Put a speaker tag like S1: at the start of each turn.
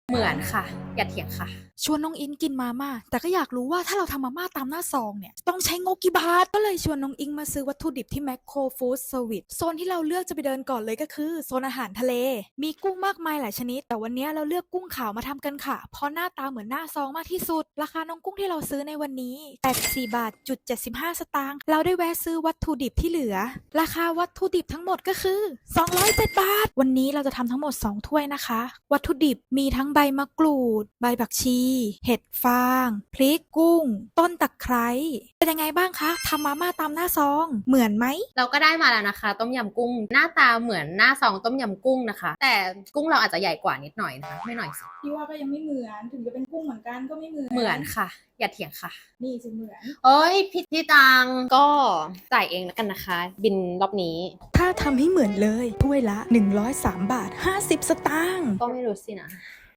S1: เหมือนค่ะอย่าเถียงค่ะ
S2: ชวนน้องอิงกินมาม่าแต่ก็อยากรู้ว่าถ้าเราทำมาม่าตามหน้าซองเนี่ยต้องใช้งบกี่บาทก็เลยชวนน้องอิงมาซื้อวัตถุดิบที่แมคโครฟู้ดเซอร์วิสโซนที่เราเลือกจะไปเดินก่อนเลยก็คือโซนอาหารทะเลมีกุ้งมากมายหลายชนิดแต่วันนี้เราเลือกกุ้งขาวมาทำกันค่ะเพราะหน้าตาเหมือนหน้าซองมากที่สุดราคาน้องกุ้งที่เราซื้อในวันนี้84บาทจุด75สตางค์เราได้แวะซื้อวัตถุดิบที่เหลือราคาวัตถุดิบทั้งหมดก็คือ207บาทวันนี้เราจะทำทั้งหมด2ถ้วยนะคะวัตถุดิบมีทั้งใบมะกรูดใบผักชีเห็ดฟางพริกกุ้งต้นตะไคร้เป็นยังไงบ้างคะทำมาม่าตามหน้าซองเหมือนไหม
S1: เราก็ได้มาแล้วนะคะต้มยำกุ้งหน้าตาเหมือนหน้าซองต้มยำกุ้งนะคะแต่กุ้งเราอาจจะใหญ่กว่านิดหน่อยนะคะไม่หน่อยสิ
S2: พี่ว่าก็ยังไม่เหมือนถึงจะเป็นกุ้งเหมือนกันก็ไม่เหมือน
S1: เหมือนค่ะอย่าเถียงค่ะ
S2: นี่สิเหมือน
S1: เอ้ยพี่ตังก็จ่ายเองแล้วกันนะคะบินรอบนี้
S2: ถ้าทำให้เหมือนเลยถ้วยละ103บาท50สตางค์
S1: ก็ไม่รู้สินะ